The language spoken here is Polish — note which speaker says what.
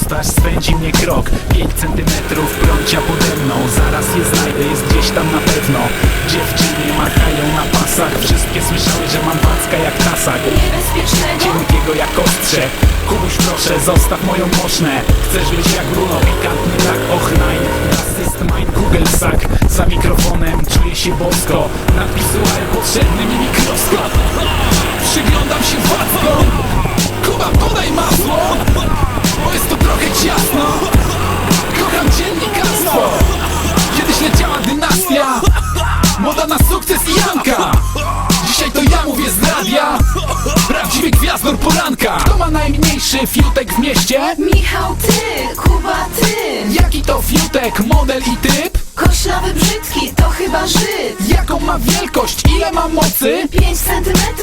Speaker 1: twarz swędzi mnie krok. 5 centymetrów prącia pode mną. Zaraz je znajdę, jest gdzieś tam na pewno. Dziewczyny machają na pasach. Wszystkie słyszały, że mam wacka jak tasak.
Speaker 2: Niebezpiecznego?
Speaker 1: Cienkiego jak ostrze. Kubuś proszę, zostaw moją mosznę. Chcesz być jak Bruno, pikantny tak, och nein. Das ist mein Kugelsack. Za mikrofonem czuję się bosko. Napisuję potrzebny mi mikroskop. Przyglądam się wackom. Kuba, podaj masło, bo jest to trochę ciasno. Kocham dziennikarstwo. Kiedyś leciała dynastia, moda na sukces i Janka. Dzisiaj to ja mówię z radia, prawdziwy gwiazdor poranka. Kto ma najmniejszy fiutek w mieście?
Speaker 2: Michał, ty, Kuba, ty.
Speaker 1: Jaki to fiutek, model i typ?
Speaker 2: Koślawy brzydki, to chyba Żyd.
Speaker 1: Jaką ma wielkość, ile ma mocy?
Speaker 2: 5 centymetrów